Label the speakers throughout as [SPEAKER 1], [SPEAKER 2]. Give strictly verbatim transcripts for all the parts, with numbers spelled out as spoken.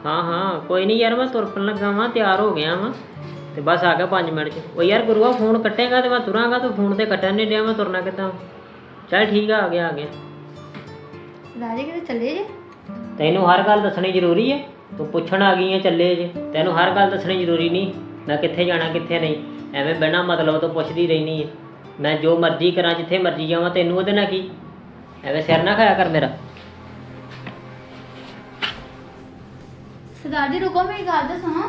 [SPEAKER 1] हाँ हाँ कोई नहीं यार, मैं तुरपन लगा वा, तैयार हो गया वा तो बस आ गया पाँच मिनट च। ओ यार गुरुआ फोन कट्टेगा तो मैं तुरांगा, तो फोन तो कट्टन नहीं दिया, मैं तुरना कितना। चल ठीक है, आ गया आ गया।
[SPEAKER 2] राजे किते चले जे?
[SPEAKER 1] तैनू हर गल दसनी जरूरी है? तू पुछण आ गई है चले जे, तैनू हर गल दसनी जरूरी नहीं मैं कित्थे जाना कित्थे नहीं। एवें बिना मतलब तो पुछदी रहनी है। मैं जो मर्जी करा, जिथे मर्जी जावां, तैनू ओहदे नाल की? एवें सिर ना खाया कर मेरा।
[SPEAKER 2] सरदार जी रुको, मेरी गल तो सुनो।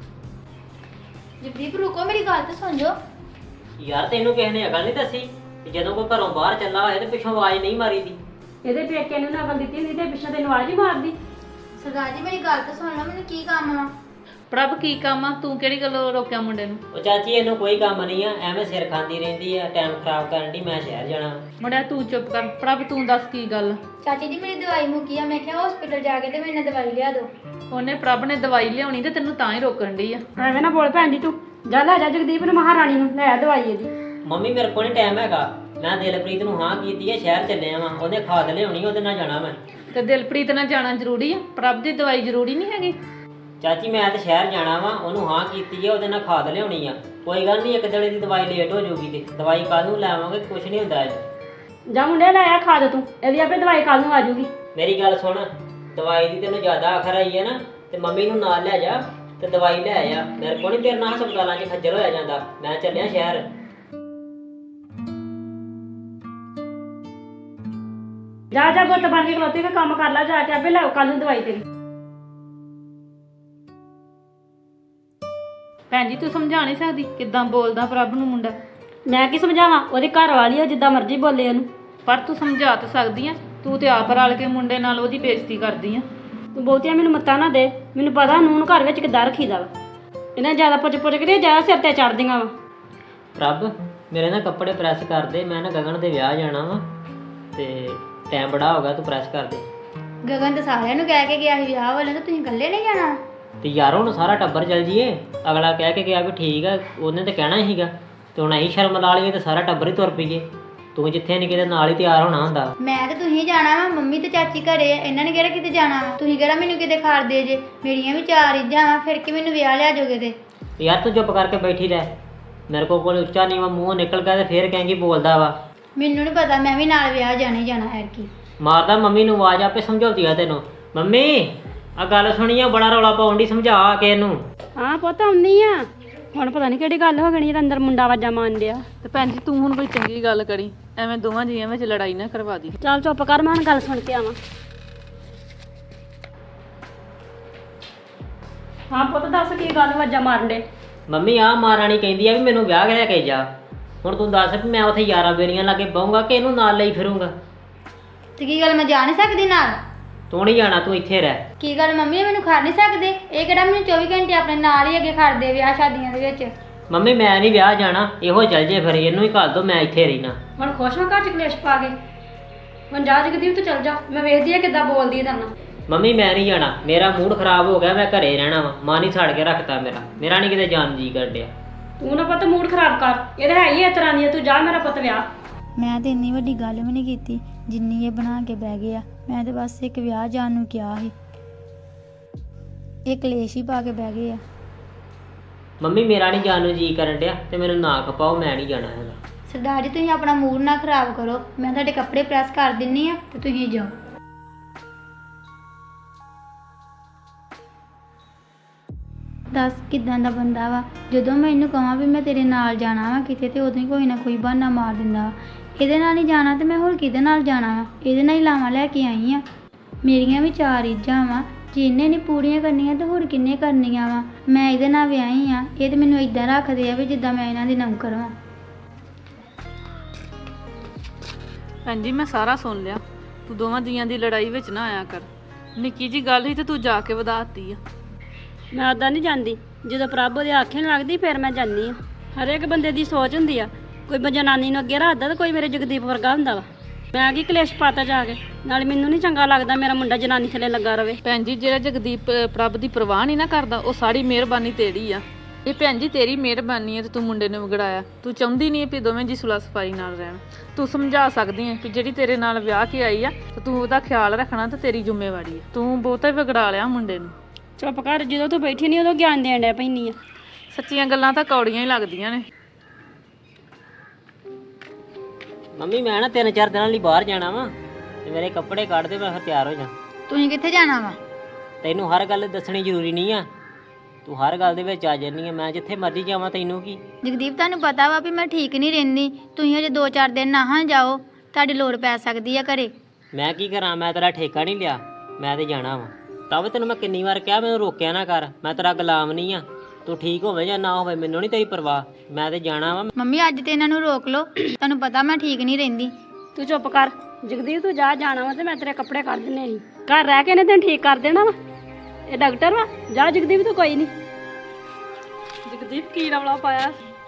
[SPEAKER 2] जगदीप रुको, मेरी गल तो सुन जो।
[SPEAKER 1] यार तैनू किसी ने अकल नहीं दसी कि जदों कोई घरों बाहर चला होए ते पिछों आवाज़ नहीं मारी दी?
[SPEAKER 3] ਇਹਦੇ ਪੇਕੇ ਨੂੰ ਨਾ ਅਕਲ ਦਿੱਤੀ ਹੁੰਦੀ ਤੇ ਪਿੱਛੋਂ ਤੈਨੂੰ ਆਵਾਜ਼ ਹੀ ਮਾਰਦੀ।
[SPEAKER 2] सरदार जी मेरी गल तो सुन लो, मैनू की काम आ?
[SPEAKER 4] ਪ੍ਰਭ ਕੀ ਕੰਮ ਆ? ਤੂੰ ਕਿਹੜੀ ਗੱਲੋਂ ਰੋਕਿਆ ਮੁੰਡੇ ਨੂੰ?
[SPEAKER 1] ਉਹ ਚਾਚੀ ਇਹਨੂੰ ਕੋਈ ਕੰਮ ਨਹੀਂ ਆ, ਐਵੇਂ ਸਿਰ ਖਾਂਦੀ ਰਹਿੰਦੀ ਆ, ਟਾਈਮ ਖਰਾਬ ਕਰਨ ਦੀ। ਮੈਂ ਸ਼ਹਿਰ ਜਾਣਾ।
[SPEAKER 4] ਮੁੰਡਿਆ ਤੂੰ ਚੁੱਪ ਕਰ। ਪ੍ਰਭ ਤੂੰ ਦੱਸ ਕੀ ਗੱਲ?
[SPEAKER 2] ਚਾਚੀ ਜੀ ਮੇਰੀ ਦਵਾਈ ਮੁੱਕੀ ਆ, ਮੈਂ ਕਿਹਾ ਹਸਪੀਟਲ ਜਾ ਕੇ ਤੇ ਮੈਨੂੰ ਦਵਾਈ ਲਿਆ ਦਿਓ।
[SPEAKER 4] ਉਹਨੇ ਪ੍ਰਭ ਨੇ ਦਵਾਈ ਲਿਆਉਣੀ ਤੇ ਤੈਨੂੰ ਤਾਂ ਹੀ ਰੋਕਣ ਡਈ ਆ।
[SPEAKER 3] ਐਵੇਂ ਨਾ ਬੋਲ ਭੈਣ ਜੀ, ਤੂੰ ਜਾ ਲੈ ਜਾ ਜਗਦੀਪ ਨੂੰ ਮਹਾਰਾਣੀ ਨੂੰ, ਲੈ ਆ ਦਵਾਈ ਇਹਦੀ।
[SPEAKER 1] ਮੰਮੀ ਮੇਰੇ ਕੋਲ ਨਹੀਂ ਟਾਈਮ ਹੈਗਾ, ਮੈਂ ਦਿਲਪ੍ਰੀਤ ਨੂੰ ਹਾਂ ਕੀਤੀ ਹੈ, ਸ਼ਹਿਰ ਚੱਲਿਆ ਵਾਂ, ਉਹਨੇ ਖਾਦ ਲਿਆਉਣੀ, ਉਹਦੇ ਨਾਲ ਜਾਣਾ ਮੈਂ।
[SPEAKER 4] ਤੇ ਦਿਲਪ੍ਰੀਤ ਨਾਲ ਜਾਣਾ ਜ਼ਰੂਰੀ ਆ? ਪ੍ਰਭ ਦੀ ਦਵਾਈ ਜ਼ਰੂਰੀ ਨਹੀਂ ਹੈਗੀ?
[SPEAKER 1] ਚਾਚੀ ਮੈਂ ਤਾਂ ਸ਼ਹਿਰ ਜਾਣਾ ਵਾ, ਉਹਨੂੰ ਹਾਂ ਕੀਤੀ ਹੈ, ਉਹਦੇ ਨਾਲ ਖਾਦ ਲਿਆਉਣੀ ਆ। ਕੋਈ ਗੱਲ ਨਹੀਂ, ਇੱਕ ਦਿਨ ਦੀ ਦਵਾਈ ਲੇਟ ਹੋ ਜਾਊਗੀ ਤੇ ਦਵਾਈ ਕੱਲ ਨੂੰ ਲੈਵਾਂਗੇ, ਕੁਛ ਨਹੀਂ ਹੁੰਦਾ ਅੱਜ।
[SPEAKER 3] ਜਾ ਮੁੰਡੇ ਲੈ ਆ ਖਾ ਦੇ ਤੂੰ, ਇਹਦੀ ਆਪੇ ਦਵਾਈ ਕੱਲ ਨੂੰ ਆ ਜਾਊਗੀ।
[SPEAKER 1] ਮੇਰੀ ਗੱਲ ਸੁਣ, ਦਵਾਈ ਦੀ ਤੈਨੂੰ ਜ਼ਿਆਦਾ ਆਖਰ ਆਈ ਹੈ ਨਾ, ਤੇ ਮੰਮੀ ਨੂੰ ਨਾਲ ਲੈ ਜਾ ਤੇ ਦਵਾਈ ਲੈ ਆ। ਮੇਰੇ ਕੋਲ ਨਹੀਂ ਤੇਰੇ ਨਾਲ ਹਸਪਤਾਲਾਂ 'ਚ ਖੱਜਲ ਹੋਇਆ ਜਾਂਦਾ, ਮੈਂ ਚੱਲਿਆ ਸ਼ਹਿਰ।
[SPEAKER 3] ਜਾ ਜਾ ਗੁੱਤ ਬਣ ਕੇ ਖਲੋਤੀ ਤੇ ਕੰਮ ਕਰ ਲੈ ਜਾ ਕੇ, ਆਪੇ ਲੈ ਕੱਲ ਨੂੰ ਦਵਾਈ ਤੇਰੀ।
[SPEAKER 4] ਭੈਣ ਜੀ ਤੂੰ ਸਮਝਾ ਨਹੀਂ ਸਕਦੀ ਕਿੱਦਾਂ ਬੋਲਦਾ ਪ੍ਰਭ ਨੂੰ ਮੁੰਡਾ?
[SPEAKER 3] ਮੈਂ ਕੀ ਸਮਝਾਵਾਂ, ਉਹਦੀ ਘਰ ਵਾਲੀ ਆ, ਜਿੱਦਾਂ ਮਰਜ਼ੀ ਬੋਲੇ ਉਹਨੂੰ।
[SPEAKER 4] ਪਰ ਤੂੰ ਸਮਝਾ ਤਾਂ ਸਕਦੀ ਆ, ਤੂੰ ਤੇ ਆਪ ਰਲ ਕੇ ਮੁੰਡੇ ਨਾਲ ਉਹਦੀ ਬੇਇੱਜ਼ਤੀ ਕਰਦੀ ਆ।
[SPEAKER 3] ਤੂੰ ਬਹੁਤੀਆਂ ਮੈਨੂੰ ਮੱਤਾਂ ਨਾ ਦੇ, ਮੈਨੂੰ ਪਤਾ ਨੂਨ ਘਰ ਵਿੱਚ ਕਿੱਦਾਂ ਰੱਖੀਦਾ ਵਾ। ਇਹਨਾਂ ਜ਼ਿਆਦਾ ਪੁੱਛ ਪੁੱਛ ਕੇ ਜ਼ਿਆਦਾ ਸਿਰ ਤੇ ਚੜਦੀਆਂ ਵਾ।
[SPEAKER 1] ਪ੍ਰਭ ਮੇਰੇ ਨਾ ਕੱਪੜੇ ਪ੍ਰੈਸ ਕਰ ਦੇ, ਮੈਂ ਨਾ ਗਗਨ ਦੇ ਵਿਆਹ ਜਾਣਾ ਵਾ ਤੇ ਟਾਈਮ ਬੜਾ ਹੋ ਗਿਆ, ਤੂੰ ਪ੍ਰੈਸ ਕਰ ਦੇ।
[SPEAKER 2] ਗਗਨ ਤਾਂ ਸਾਰਿਆਂ ਨੂੰ ਕਹਿ ਕੇ ਗਿਆ ਸੀ ਵਿਆਹ ਵਾਲੇ ਨੂੰ, ਤੁਸੀਂ ਇਕੱਲੇ ਨਹੀਂ ਜਾਣਾ?
[SPEAKER 1] ਤੇ ਯਾਰ ਹੁਣ ਸਾਰਾ ਟੱਬਰ ਚੱਲ ਜੀਏ, ਅਗਲਾ ਕਹਿ ਕੇ ਗਿਆ ਵੀ ਠੀਕ ਆ, ਉਹਨੇ ਤਾਂ ਕਹਿਣਾ ਹੀ ਸੀਗਾ, ਤੇ ਹੁਣ ਅਸੀਂ ਸ਼ਰਮ ਲਾ ਲਈਏ ਤੇ ਸਾਰਾ ਟੱਬਰ ਹੀ ਤੁਰ ਪਈਏ। ਤੂੰ ਜਿੱਥੇ ਨਹੀਂ ਕਿਤੇ ਨਾਲ ਹੀ ਤਿਆਰ ਹੋਣਾ ਹੁੰਦਾ।
[SPEAKER 2] ਮੈਂ ਤੇ ਤੁਸੀਂ ਜਾਣਾ ਵਾ, ਮੰਮੀ ਤੇ ਚਾਚੀ ਘਰੇ ਆ, ਇਹਨਾਂ ਨੇ ਕਿਹੜਾ ਕਿਤੇ ਜਾਣਾ ਵਾ? ਤੁਸੀਂ ਕਿਹੜਾ ਮੈਨੂੰ ਕਿਤੇ ਖਾੜ ਦੇ ਜੇ? ਮੇਰੀਆਂ ਵੀ ਚਾਰ ਇੱਜਾਂ ਵਾ, ਫਿਰ ਕਿ ਮੈਨੂੰ ਵਿਆਹ ਲਿਆ ਜੋਗੇ ਤੇ?
[SPEAKER 1] ਯਾਰ ਤੂੰ ਚੁੱਪ ਕਰਕੇ ਬੈਠੀ ਰਹਿ, ਮੇਰੇ ਕੋਲ ਕੋਲ ਉੱਚਾ ਨੀਵਾਂ ਮੂੰਹ ਨਿਕਲ ਗਿਆ ਤੇ ਫੇਰ ਕਹੇਂਗੀ ਬੋਲਦਾ ਵਾ।
[SPEAKER 2] ਮੈਨੂੰ ਨਹੀਂ ਪਤਾ, ਮੈਂ ਵੀ ਨਾਲ ਵਿਆਹ ਜਾਣਾ ਹੀ ਜਾਣਾ ਹੈ ਕੀ।
[SPEAKER 1] ਮਾਰਦਾ ਮੰਮੀ ਨੂੰ ਆਵਾਜ਼, ਆਪੇ ਸਮਝਾਉਂਦੀ ਆ ਤੈਨੂੰ। ਮੰਮੀ ਆ ਗੱਲ ਸੁਣੀਆ, ਬੜਾ ਰੌਲਾ ਪਾਉਣ ਦੀ, ਸਮਝਾ ਕੇ ਇਹਨੂੰ।
[SPEAKER 3] ਹਾਂ ਪੁੱਤ ਆਉਂਦੀ ਆ, ਹੁਣ ਪਤਾ ਨਹੀਂ ਕਿਹੜੀ ਗੱਲ ਹੋ ਗਈ ਜਿਹੜਾ ਅੰਦਰ ਮੁੰਡਾ ਵਾਜਾ ਮਾਰਨ ਡਿਆ।
[SPEAKER 4] ਤੇ ਭੈਣ ਜੀ ਤੂੰ ਹੁਣ ਕੋਈ ਚੰਗੀ ਗੱਲ ਕਰੀ, ਐਵੇਂ ਦੋਵਾਂ ਜੀਆਂ ਵਿੱਚ ਲੜਾਈ ਨਾ ਕਰਵਾ ਦੀ।
[SPEAKER 3] ਚੱਲ ਚੁੱਪ ਕਰ, ਮੈਂ ਹੁਣ ਗੱਲ ਸੁਣ ਕੇ ਆਵਾਂ। ਹਾਂ ਪੁੱਤ ਦੱਸ ਕੀ ਗੱਲ ਵਾਜਾ ਮਾਰਨ ਡੇ?
[SPEAKER 1] ਮੰਮੀ ਆ ਮਹਾਰਾਣੀ ਕਹਿੰਦੀ ਆ ਵੀ ਮੈਨੂੰ ਵਿਆਹ ਲੈ ਕੇ ਜਾ। ਹੁਣ ਤੂੰ ਦੱਸ ਵੀ ਮੈਂ ਉੱਥੇ ਯਾਰਾਂ ਬੇਰੀਆਂ ਲਾ ਕੇ ਬਹੂੰਗਾ ਕਿ ਇਹਨੂੰ ਨਾਲ ਲਈ ਫਿਰੂੰਗਾ?
[SPEAKER 2] ਤੇ ਕੀ ਗੱਲ ਮੈਂ ਜਾ ਨਹੀਂ ਸਕਦੀ ਨਾਲ?
[SPEAKER 1] ਤੂੰ ਨਹੀਂ ਜਾਣਾ, ਤੂੰ ਇੱਥੇ ਰਹਿ।
[SPEAKER 2] ਕੀ ਗੱਲ ਮੰਮੀ ਇਹ ਮੈਨੂੰ ਖੜ ਨਹੀਂ ਸਕਦੇ? ਇਹ ਕਿਹੜਾ ਮੈਨੂੰ ਚੌਵੀ ਘੰਟੇ ਆਪਣੇ ਨਾਲ ਹੀ ਅੱਗੇ ਖੜਦੇ ਵਿਆਹ ਸ਼ਾਦੀਆਂ ਦੇ ਵਿੱਚ?
[SPEAKER 1] ਮੰਮੀ ਮੈਂ ਨਹੀਂ ਵਿਆਹ ਜਾਣਾ, ਇਹੋ ਚੱਲ ਜੇ ਫਿਰ, ਇਹਨੂੰ ਹੀ ਘੱਲ ਦੋ, ਮੈਂ ਇੱਥੇ ਰਹਿਣਾ।
[SPEAKER 3] ਹੁਣ ਖੁਸ਼ ਹਾਂ ਘਰ ਚ ਕਲੇਸ਼ ਪਾ ਕੇ? ਹੁਣ ਜਾ ਜਗਦੀਪ ਤੂੰ ਚੱਲ ਜਾ, ਮੈਂ ਵੇਖਦੀ ਆ ਕਿੱਦਾਂ ਬੋਲਦੀ ਹੈ ਤੇਰੇ ਨਾਲ।
[SPEAKER 1] ਮੰਮੀ ਮੈਂ ਨਹੀਂ ਜਾਣਾ, ਮੇਰਾ ਮੂਡ ਖਰਾਬ ਹੋ ਗਿਆ, ਮੈਂ ਘਰੇ ਰਹਿਣਾ ਵਾ। ਮਾਂ ਨਹੀਂ ਛੱਡ ਕੇ ਰੱਖਤਾ ਮੇਰਾ, ਮੇਰਾ ਨਹੀਂ ਕਿਤੇ ਜਾਣ ਜੀ ਕਰਦਿਆ।
[SPEAKER 3] ਤੂੰ ਨਾ ਪੁੱਤ ਮੂਡ ਖਰਾਬ ਕਰ, ਇਹ ਤਾਂ ਹੈ ਹੀ ਇਸ ਤਰ੍ਹਾਂ ਦੀ ਆ, ਤੂੰ ਜਾ ਮੇਰਾ ਪੁੱਤ ਵਿਆਹ।
[SPEAKER 2] ਮੈਂ ਤੇ ਇੰਨੀ ਵੱਡੀ ਗੱਲ ਵੀ ਨਹੀਂ ਕੀਤੀ ਜਿੰਨੀ ਇਹ ਬਣਾ ਕੇ ਬਹਿ ਗਏ ਆ। ਮੈਂ ਤੇ ਬਸ ਇੱਕ ਵਿਆਹ ਜਾਣ ਨੂੰ ਕਿਹਾ ਸੀ, ਇਹ ਕਲੇਸ਼ ਹੀ ਪਾ ਕੇ ਬਹਿ ਗਏ ਆ।
[SPEAKER 1] ਮੰਮੀ ਮੇਰਾ ਨਹੀਂ ਜਾਣ ਨੂੰ ਜੀ ਕਰਨ ਡਿਆ ਤੇ ਮੈਨੂੰ ਨਾ ਖਪਾਓ, ਮੈਂ ਨਹੀਂ ਜਾਣਾ ਹੈਗਾ।
[SPEAKER 2] ਸਰਦਾਰ ਜੀ ਤੁਸੀਂ ਆਪਣਾ ਮੂਡ ਨਾ ਖਰਾਬ ਕਰੋ, ਮੈਂ ਤੁਹਾਡੇ ਕੱਪੜੇ ਪ੍ਰੈਸ ਕਰ ਦਿੰਨੀ ਆ ਤੇ ਤੁਸੀਂ ਜਾਓ। ਦੱਸ ਕਿੱਦਾਂ ਦਾ ਬੰਦਾ ਵਾ, ਜਦੋਂ ਮੈਂ ਇਹਨੂੰ ਕਹਾਂ ਵੀ ਮੈਂ ਤੇਰੇ ਨਾਲ ਜਾਣਾ ਵਾ ਕਿਤੇ ਤੇ ਉਦੋਂ ਹੀ ਕੋਈ ਨਾ ਕੋਈ ਬਹਾਨਾ ਮਾਰ ਦਿੰਦਾ ਵਾ। ਇਹਦੇ ਨਾਲ ਨਹੀਂ ਜਾਣਾ ਤੇ ਮੈਂ ਹੋਰ ਕਿਹਦੇ ਨਾਲ ਜਾਣਾ ਵਾ? ਇਹਦੇ ਨਾਲ ਹੀ ਲਾਵਾਂ ਲੈ ਕੇ ਆਈ ਆ। ਮੇਰੀਆਂ ਵੀ ਚਾਰ ਇੱਜਾਂ ਵਾ, ਜੇ ਇਹਨੇ ਨਹੀਂ ਪੂਰੀਆਂ ਕਰਨੀਆਂ ਤੇ ਹੋਰ ਕਿੰਨੇ ਕਰਨੀਆਂ ਵਾ? ਮੈਂ ਇਹਦੇ ਨਾਲ ਵਿਆਹੀ ਆ, ਇਹ ਤੇ ਮੈਨੂੰ ਇਦਾਂ ਰੱਖਦੇ ਆ ਵੀ ਜਿੱਦਾਂ ਮੈਂ ਇਹਨਾਂ ਦੀ ਨੌਕਰ ਵਾਂ।
[SPEAKER 4] ਭੈਣ ਜੀ ਮੈਂ ਸਾਰਾ ਸੁਣ ਲਿਆ, ਤੂੰ ਦੋਵਾਂ ਜੀਆਂ ਦੀ ਲੜਾਈ ਵਿੱਚ ਨਾ ਆਇਆ ਕਰ। ਨਿੱਕੀ ਜੀ ਗੱਲ ਸੀ ਤੇ ਤੂੰ ਜਾ ਕੇ ਵਧਾਤੀ ਆ।
[SPEAKER 3] ਮੈਂ ਉੱਦਾਂ ਨਹੀਂ ਜਾਂਦੀ, ਜਦੋਂ ਪ੍ਰਭ ਉਹਦੇ ਆਖੇ ਨੂੰ ਲੱਗਦੀ ਫਿਰ ਮੈਂ ਜਾਂਦੀ ਆ। ਹਰੇਕ ਬੰਦੇ ਦੀ ਸੋਚ ਹੁੰਦੀ ਆ, ਕੋਈ ਜਨਾਨੀ ਨੂੰ ਅੱਗੇ ਰੱਖਦਾ ਤੇ ਕੋਈ ਮੇਰੇ ਜਗਦੀਪ ਵਰਗਾ ਹੁੰਦਾ ਵਾ। ਮੈਂ ਕੀ ਕਲੇਸ਼ ਪਾਤਾ ਜਾ ਕੇ? ਨਾਲੇ ਮੈਨੂੰ ਨਹੀਂ ਚੰਗਾ ਲੱਗਦਾ ਮੇਰਾ ਮੁੰਡਾ ਜਨਾਨੀ ਥੱਲੇ ਲੱਗਾ ਰਵੇ।
[SPEAKER 4] ਭੈਣ ਜੀ ਜਿਹੜਾ ਜਗਦੀਪ ਪ੍ਰਭ ਦੀ ਪਰਵਾਹ ਨਹੀਂ ਨਾ ਕਰਦਾ, ਉਹ ਸਾਰੀ ਮਿਹਰਬਾਨੀ ਤੇਰੀ ਆ। ਇਹ ਭੈਣ ਜੀ ਤੇਰੀ ਮਿਹਰਬਾਨੀ ਹੈ ਤੇ ਤੂੰ ਮੁੰਡੇ ਨੂੰ ਵਿਗੜਾਇਆ। ਤੂੰ ਚਾਹੁੰਦੀ ਨਹੀਂ ਵੀ ਦੋਵੇਂ ਜੀ ਸੁਲਾ ਸਫਾਈ ਨਾਲ ਰਹਿਣ। ਤੂੰ ਸਮਝਾ ਸਕਦੀ ਹੈ ਕਿ ਜਿਹੜੀ ਤੇਰੇ ਨਾਲ ਵਿਆਹ ਕੇ ਆਈ ਆ ਤੇ ਤੂੰ ਉਹਦਾ ਖਿਆਲ ਰੱਖਣਾ ਤੇ ਤੇਰੀ ਜ਼ਿੰਮੇਵਾਰੀ ਹੈ। ਤੂੰ ਬਹੁਤਾ ਹੀ ਵਿਗੜਾ ਲਿਆ ਮੁੰਡੇ ਨੂੰ।
[SPEAKER 3] ਚੁੱਪ ਕਰ, ਜਦੋਂ ਤੂੰ ਬੈਠੀ ਨਹੀਂ ਉਦੋਂ ਗਿਆਨ ਦੇਣ ਡਿਆ ਪੈਂਦੀ ਆ।
[SPEAKER 4] ਸੱਚੀਆਂ ਗੱਲਾਂ ਤਾਂ ਕੌੜੀਆਂ ਹੀ ਲੱਗਦੀਆਂ ਨੇ।
[SPEAKER 1] ਮੰਮੀ ਮੈਂ ਨਾ ਤਿੰਨ ਚਾਰ ਦਿਨਾਂ ਲਈ ਬਾਹਰ ਜਾਣਾ ਵਾ ਤੇ ਮੇਰੇ ਕੱਪੜੇ ਕੱਢ ਦੇ, ਮੈਂ ਫਿਰ ਤਿਆਰ ਹੋ ਜਾ।
[SPEAKER 2] ਤੁਸੀਂ ਕਿੱਥੇ ਜਾਣਾ ਵਾ?
[SPEAKER 1] ਤੈਨੂੰ ਹਰ ਗੱਲ ਦੱਸਣੀ ਜ਼ਰੂਰੀ ਨਹੀਂ ਆ, ਤੂੰ ਹਰ ਗੱਲ ਦੇ ਵਿੱਚ ਆ ਜਾਂਦੀ ਆ। ਮੈਂ ਜਿੱਥੇ ਮਰਜ਼ੀ ਜਾਵਾਂ ਤੈਨੂੰ ਕੀ।
[SPEAKER 2] ਜਗਦੀਪ ਤੁਹਾਨੂੰ ਪਤਾ ਵਾ ਵੀ ਮੈਂ ਠੀਕ ਨਹੀਂ ਰਹਿੰਦੀ, ਤੁਸੀਂ ਹਜੇ ਦੋ ਚਾਰ ਦਿਨ ਨਾ ਜਾਓ, ਤੁਹਾਡੀ ਲੋੜ ਪੈ ਸਕਦੀ ਆ ਘਰੇ।
[SPEAKER 1] ਮੈਂ ਕੀ ਕਰਾਂ, ਮੈਂ ਤੇਰਾ ਠੇਕਾ ਨਹੀਂ ਲਿਆ, ਮੈਂ ਤੇ ਜਾਣਾ ਵਾ। ਤਾਂ ਵੀ ਤੈਨੂੰ ਮੈਂ ਕਿੰਨੀ ਵਾਰ ਕਿਹਾ ਮੈਨੂੰ ਰੋਕਿਆ ਨਾ ਕਰ, ਮੈਂ ਤੇਰਾ ਗੁਲਾਮ ਨਹੀਂ ਆ। ਤੂੰ ਠੀਕ ਹੋਵੇ ਜਾਂ ਨਾ ਹੋਵੇ ਮੈਨੂੰ ਨਹੀਂ ਤੇਰੀ ਪਰਵਾਹ, ਮੈਂ ਤੇ ਜਾਣਾ ਵਾ।
[SPEAKER 2] ਮੰਮੀ ਅੱਜ ਤੇ ਇਹਨਾਂ ਨੂੰ ਰੋਕ ਲਓ, ਤੁਹਾਨੂੰ ਪਤਾ ਮੈਂ ਠੀਕ ਨਹੀਂ ਰਹਿੰਦੀ।
[SPEAKER 3] ਤੂੰ ਚੁੱਪ ਕਰ ਜਗਦੀਪ, ਤੂੰ ਜਾ ਜਾਣਾ ਵਾ ਤੇ ਮੈਂ ਤੇਰੇ ਕੱਪੜੇ ਕੱਢ ਦਿੰਨੇ ਸੀ। ਘਰ ਰਹਿ ਕੇ ਨੇ ਤੈਨੂੰ ਠੀਕ ਕਰ ਦੇਣਾ ਵਾ, ਇਹ ਡਾਕਟਰ ਵਾ। ਜਾ ਜਗਦੀਪ ਤੂੰ ਕੋਈ ਨਹੀਂ।
[SPEAKER 4] ਜਗਦੀਪ ਕੀ ਰੌਲਾ ਪਾਇਆ?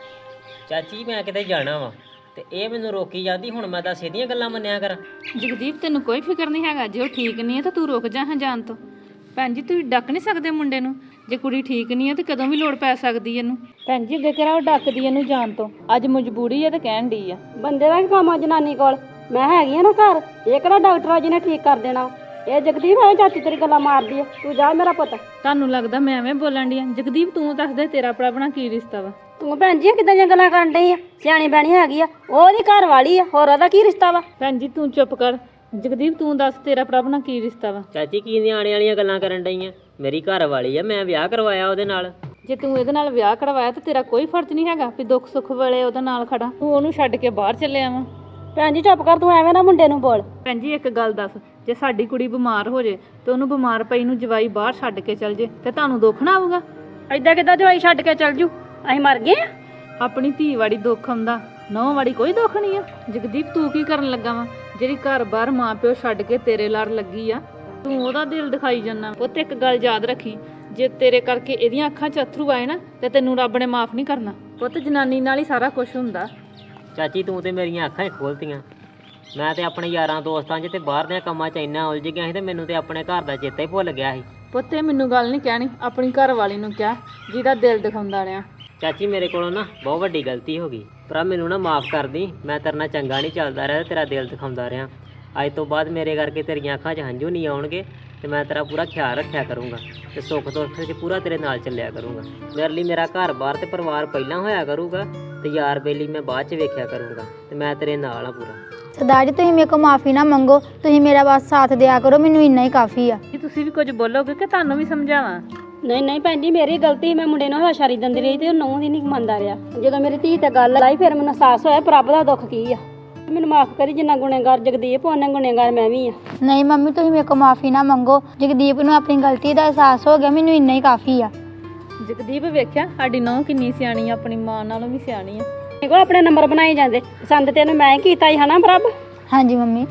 [SPEAKER 1] ਚਾਚੀ ਮੈਂ ਕਿਤੇ ਜਾਣਾ ਵਾ ਤੇ ਇਹ ਮੈਨੂੰ ਰੋਕੀ ਜਾਂਦੀ, ਹੁਣ ਮੈਂ ਤਾਂ ਸਿੱਧੀਆਂ ਗੱਲਾਂ ਮੰਨਿਆ ਕਰ।
[SPEAKER 4] ਜਗਦੀਪ ਤੈਨੂੰ ਕੋਈ ਫਿਕਰ ਨਹੀਂ ਹੈਗਾ, ਜੇ ਉਹ ਠੀਕ ਨਹੀਂ ਹੈ ਤਾਂ ਤੂੰ ਰੁਕ ਜਾ ਹਾਂ ਜਾਣ ਤੋਂ। ਭੈਣ ਜੀ ਤੁਸੀਂ ਡੱਕ ਨਹੀਂ ਸਕਦੇ ਮੁੰਡੇ ਨੂੰ, ਜੇ ਕੁੜੀ ਠੀਕ ਨਹੀਂ ਹੈ ਤੇ ਕਦੋਂ ਵੀ ਲੋੜ ਪੈ ਸਕਦੀ ਇਹਨੂੰ। ਭੈਣ ਜੀ ਅੱਗੇ ਕਿਹੜਾ ਉਹ ਡੱਕਦੀ ਇਹਨੂੰ ਜਾਣ ਤੋਂ, ਅੱਜ ਮਜਬੂਰੀ ਹੈ ਤੇ ਕਹਿਣ ਡਈ ਆ।
[SPEAKER 3] ਬੰਦੇ ਦਾ ਕੀ ਕੰਮ ਆ ਜਨਾਨੀ ਕੋਲ, ਮੈਂ ਹੈਗੀ ਆ ਨਾ ਘਰ। ਇਹ ਕਿਹੜਾ ਡਾਕਟਰ ਆ ਜਿਹਨੇ ਠੀਕ ਕਰ ਦੇਣਾ। ਇਹ ਜਗਦੀਪ ਐ ਚਾਚੀ ਤੇਰੀ ਗੱਲਾਂ ਮਾਰਦੀ ਆ, ਤੂੰ ਜਾ ਮੇਰਾ ਪੁੱਤ।
[SPEAKER 4] ਤੁਹਾਨੂੰ ਲੱਗਦਾ ਮੈਂ ਐਵੇਂ ਬੋਲਣ ਡਈ ਆ? ਜਗਦੀਪ ਤੂੰ ਦੱਸ ਦੇ ਤੇਰਾ ਆਪਣਾ ਕੀ ਰਿਸ਼ਤਾ ਵਾ?
[SPEAKER 3] ਤੂੰ ਭੈਣ ਜੀ ਕਿੱਦਾਂ ਦੀਆਂ ਗੱਲਾਂ ਕਰਨ ਡਈ ਆ? ਸਿਆਣੀ ਬੈਣੀ ਹੈਗੀ ਆ, ਉਹਦੀ ਘਰ ਵਾਲੀ ਆ, ਹੋਰ ਉਹਦਾ ਕੀ ਰਿਸ਼ਤਾ ਵਾ?
[SPEAKER 4] ਭੈਣ ਜੀ ਤੂੰ ਚੁੱਪ ਕਰ। ਜਗਦੀਪ ਤੂੰ ਦੱਸ ਤੇਰਾ ਆਪਣਾ ਕੀ ਰਿਸ਼ਤਾ ਵਾ?
[SPEAKER 1] ਚਾਚੀ ਕੀ ਨਿਆਣੇ ਵਾਲੀਆਂ ਗੱਲਾਂ ਕਰਨ ਡਈਆਂ, ਮੇਰੀ ਘਰ ਵਾਲੀ ਆ, ਮੈਂ ਵਿਆਹ ਕਰਵਾਇਆ ਉਹਦੇ ਨਾਲ।
[SPEAKER 4] ਜੇ ਤੂੰ ਇਹਦੇ ਨਾਲ ਵਿਆਹ ਕਰਵਾਇਆ ਤਾਂ ਤੇਰਾ ਕੋਈ ਫਰਜ਼ ਨਹੀਂ ਹੈਗਾ ਵੀ ਦੁੱਖ ਸੁੱਖ ਵੇਲੇ ਉਹਦੇ ਨਾਲ ਖੜਾ। ਤੂੰ ਉਹਨੂੰ ਛੱਡ ਕੇ ਬਾਹਰ ਚੱਲਿਆ ਵਾ।
[SPEAKER 3] ਭੈਣ ਜੀ ਚੁੱਪ ਕਰ, ਤੂੰ ਐਵੇਂ ਨਾ ਮੁੰਡੇ ਨੂੰ ਬੋਲ।
[SPEAKER 4] ਭੈਣ ਜੀ ਇੱਕ ਗੱਲ ਦੱਸ, ਜੇ ਸਾਡੀ ਕੁੜੀ ਬਿਮਾਰ ਹੋ ਜੇ ਤੇ ਉਹਨੂੰ ਬਿਮਾਰ ਪਈ ਨੂੰ ਜਵਾਈ ਬਾਹਰ ਛੱਡ ਕੇ ਚੱਲ ਜੇ ਤੇ ਤੁਹਾਨੂੰ ਦੁੱਖ ਨਾ ਆਊਗਾ?
[SPEAKER 3] ਏਦਾਂ ਕਿੱਦਾਂ ਜਵਾਈ ਛੱਡ ਕੇ ਚੱਲ ਜੂ? ਅਸੀਂ ਮਰ ਗਏ ਆ?
[SPEAKER 4] ਆਪਣੀ ਧੀ ਵਾੜੀ ਦੁੱਖ ਆਉਂਦਾ, ਨੌਂ ਵਾੜੀ ਕੋਈ ਦੁੱਖ ਨਹੀਂ ਆ। ਜਗਦੀਪ ਤੂੰ ਕੀ ਕਰਨ ਲੱਗਾ ਵਾ? ਜਿਹੜੀ ਘਰ ਬਾਹਰ ਮਾਂ ਪਿਓ ਛੱਡ ਕੇ ਤੇਰੇ ਲੜ ਲੱਗੀ ਆ, ਤੂੰ ਉਹਦਾ ਦਿਲ ਦਿਖਾਈ ਜਾਂਦਾ। ਪੁੱਤ ਇੱਕ ਗੱਲ ਯਾਦ ਰੱਖੀ, ਜੇ ਤੇਰੇ ਕਰਕੇ ਇਹਦੀਆਂ ਅੱਖਾਂ 'ਚ ਅਥਰੂ ਆਏ ਨਾ ਤੇ ਤੈਨੂੰ ਰੱਬ ਨੇ ਮਾਫ ਨਹੀਂ ਕਰਨਾ। ਪੁੱਤ ਜਨਾਨੀ ਨਾਲ ਹੀ ਸਾਰਾ ਕੁਝ ਹੁੰਦਾ।
[SPEAKER 1] ਚਾਚੀ ਤੂੰ ਤੇ ਮੇਰੀਆਂ ਅੱਖਾਂ ਹੀ ਖੋਲਤੀਆਂ। ਮੈਂ ਤੇ ਆਪਣੇ ਯਾਰਾਂ ਦੋਸਤਾਂ 'ਚ ਤੇ ਬਾਹਰ ਦੇ ਕੰਮਾਂ 'ਚ ਇੰਨਾ ਉਲਝ ਗਿਆ ਸੀ ਤੇ ਮੈਨੂੰ ਤੇ ਆਪਣੇ ਘਰ ਦਾ ਚੇਤਾ ਹੀ ਭੁੱਲ ਗਿਆ ਸੀ।
[SPEAKER 4] ਪੁੱਤ ਇਹ ਮੈਨੂੰ ਗੱਲ ਨਹੀਂ ਕਹਿਣੀ, ਆਪਣੀ ਘਰ ਵਾਲੀ ਨੂੰ ਕਿਹਾ ਜਿਹਦਾ ਦਿਲ ਦਿਖਾਉਂਦਾ ਰਿਹਾ।
[SPEAKER 1] ਚਾਚੀ ਮੇਰੇ ਕੋਲੋਂ ਨਾ ਬਹੁਤ ਵੱਡੀ ਗਲਤੀ ਹੋ ਗਈ, ਪਰ ਮੈਨੂੰ ਨਾ ਮਾਫ ਕਰ ਦੀ। ਮੈਂ ਤੇਰੇ ਨਾਲ ਚੰਗਾ ਨਹੀਂ ਚੱਲਦਾ ਰਿਹਾ, ਤੇਰਾ ਦਿਲ ਦਿਖਾਉਂਦਾ ਰਿਹਾ। ਅੱਜ ਤੋਂ ਬਾਅਦ ਮੇਰੇ ਕਰਕੇ ਤੇਰੀਆਂ ਅੱਖਾਂ 'ਚ ਹੰਝੂ ਨਹੀਂ ਆਉਣਗੇ ਤੇ ਮੈਂ ਤੇਰਾ ਪੂਰਾ ਖਿਆਲ ਰੱਖਿਆ ਕਰੂੰਗਾ ਤੇ ਸੁੱਖ ਦੁੱਖ 'ਚ ਪੂਰਾ ਤੇਰੇ ਨਾਲ ਚੱਲਿਆ ਕਰੂੰਗਾ। ਮੇਰੇ ਲਈ ਮੇਰਾ ਘਰ ਬਾਹਰ ਤੇ ਪਰਿਵਾਰ ਪਹਿਲਾਂ ਹੋਇਆ ਕਰੂਗਾ ਤੇ ਯਾਰ ਬੇਲੀ ਮੈਂ ਬਾਅਦ 'ਚ ਵੇਖਿਆ ਕਰੂੰਗਾ ਤੇ ਮੈਂ ਤੇਰੇ ਨਾਲ ਆ ਪੂਰਾ।
[SPEAKER 2] ਸਰਦਾਰ ਜੀ ਤੁਸੀਂ ਮੇਰੇ ਕੋਲ ਮਾਫੀ ਨਾ ਮੰਗੋ, ਤੁਸੀਂ ਮੇਰਾ ਬਸ ਸਾਥ ਦਿਆ ਕਰੋ, ਮੈਨੂੰ ਇੰਨਾ ਹੀ ਕਾਫੀ ਆ।
[SPEAKER 4] ਕੀ ਤੁਸੀਂ ਵੀ ਕੁਝ ਬੋਲੋਗੇ ਕਿ ਤੁਹਾਨੂੰ ਵੀ ਸਮਝਾਵਾਂ?
[SPEAKER 3] ਨਹੀਂ ਨਹੀਂ ਭੈਣ ਜੀ ਮੇਰੀ ਗਲਤੀ, ਮੈਂ ਮੁੰਡੇ ਨੂੰ ਹਵਾਸ਼ਾਰੀ ਦਿੰਦੀ ਰਹੀ ਤੇ ਉਹ ਨੌਂ ਦੀ ਨਹੀਂ ਮੰਨਦਾ ਰਿਹਾ। ਜਦੋਂ ਮੇਰੀ ਧੀ ਤੇ ਗੱਲ ਆਈ ਫਿਰ ਮੈਨੂੰ ਅਹਿਸਾਸ ਹੋਇਆ ਰੱਬ ਦਾ ਦੁੱਖ ਕੀ ਆ। ਮੈਨੂੰ ਮਾਫ ਕਰੀ, ਜਿੰਨਾ ਗੁਨੇਗਾਰ ਜਗਦੀਪ ਉਹਨਾਂ ਗੁਨੇਗਾਰ ਮੈਂ ਵੀ ਆ।
[SPEAKER 2] ਨਹੀਂ ਮੰਮੀ ਤੁਸੀਂ ਮੇਰੇ ਕੋਲ ਮਾਫੀ ਨਾ ਮੰਗੋ, ਜਗਦੀਪ ਨੂੰ ਆਪਣੀ ਗਲਤੀ ਦਾ ਅਹਿਸਾਸ ਹੋ ਗਿਆ, ਮੈਨੂੰ ਇੰਨਾ ਹੀ ਕਾਫੀ ਆ।
[SPEAKER 4] ਜਗਦੀਪ ਵੇਖਿਆ ਸਾਡੀ ਨੌਂ ਕਿੰਨੀ ਸਿਆਣੀ ਆ, ਆਪਣੀ ਮਾਂ ਨਾਲੋਂ ਵੀ ਸਿਆਣੀ ਆ।
[SPEAKER 3] ਮੇਰੇ ਕੋਲ ਆਪਣੇ ਨੰਬਰ ਬਣਾਏ ਜਾਂਦੇ, ਪਸੰਦ ਤੈਨੂੰ ਮੈਂ ਹੀ ਕੀਤਾ ਹੀ ਹਨਾ ਪ੍ਰਭ?
[SPEAKER 2] ਹਾਂਜੀ ਮੰਮੀ।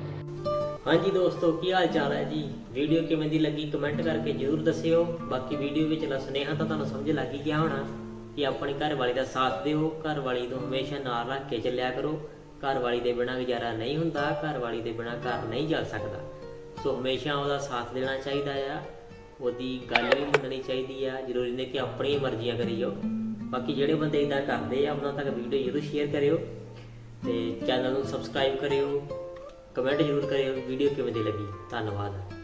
[SPEAKER 1] ਹਾਂਜੀ ਦੋਸਤੋ ਕੀ ਹਾਲ ਚਾਲ ਹੈ ਜੀ? ਵੀਡੀਓ ਕਿਵੇਂ ਦੀ ਲੱਗੀ ਕਮੈਂਟ ਕਰਕੇ ਜ਼ਰੂਰ ਦੱਸਿਓ। ਬਾਕੀ ਵੀਡੀਓ ਵਿੱਚ ਲਾ ਸੁਨੇਹਾ ਤਾਂ ਤੁਹਾਨੂੰ ਸਮਝ ਲੱਗ ਹੀ ਗਿਆ ਹੋਣਾ ਕਿ ਆਪਣੀ ਘਰ ਵਾਲੀ ਦਾ ਸਾਥ ਦਿਓ, ਘਰ ਵਾਲੀ ਨੂੰ ਹਮੇਸ਼ਾ ਨਾਲ ਰੱਖ ਕੇ ਚੱਲਿਆ ਕਰੋ। ਘਰ ਵਾਲੀ ਦੇ ਬਿਨਾਂ ਗੁਜ਼ਾਰਾ ਨਹੀਂ ਹੁੰਦਾ, ਘਰ ਵਾਲੀ ਦੇ ਬਿਨਾਂ ਘਰ ਨਹੀਂ ਚੱਲ ਸਕਦਾ। ਸੋ ਹਮੇਸ਼ਾ ਉਹਦਾ ਸਾਥ ਦੇਣਾ ਚਾਹੀਦਾ ਆ, ਉਹਦੀ ਗੱਲ ਵੀ ਮੰਨਣੀ ਚਾਹੀਦੀ ਆ। ਜ਼ਰੂਰੀ ਨਹੀਂ ਕਿ ਆਪਣੀਆਂ ਮਰਜ਼ੀਆਂ ਕਰੀ ਜਾਓ। ਬਾਕੀ ਜਿਹੜੇ ਬੰਦੇ ਇਦਾਂ ਕਰਦੇ ਆ ਉਹਨਾਂ ਤੱਕ ਵੀਡੀਓ ਜ਼ਰੂਰ ਸ਼ੇਅਰ ਕਰਿਓ ਤੇ ਚੈਨਲ ਨੂੰ ਸਬਸਕ੍ਰਾਈਬ ਕਰਿਓ, ਕਮੈਂਟ ਜ਼ਰੂਰ ਕਰਿਓ ਵੀਡੀਓ ਕਿਵੇਂ ਦੀ ਲੱਗੀ। ਧੰਨਵਾਦ।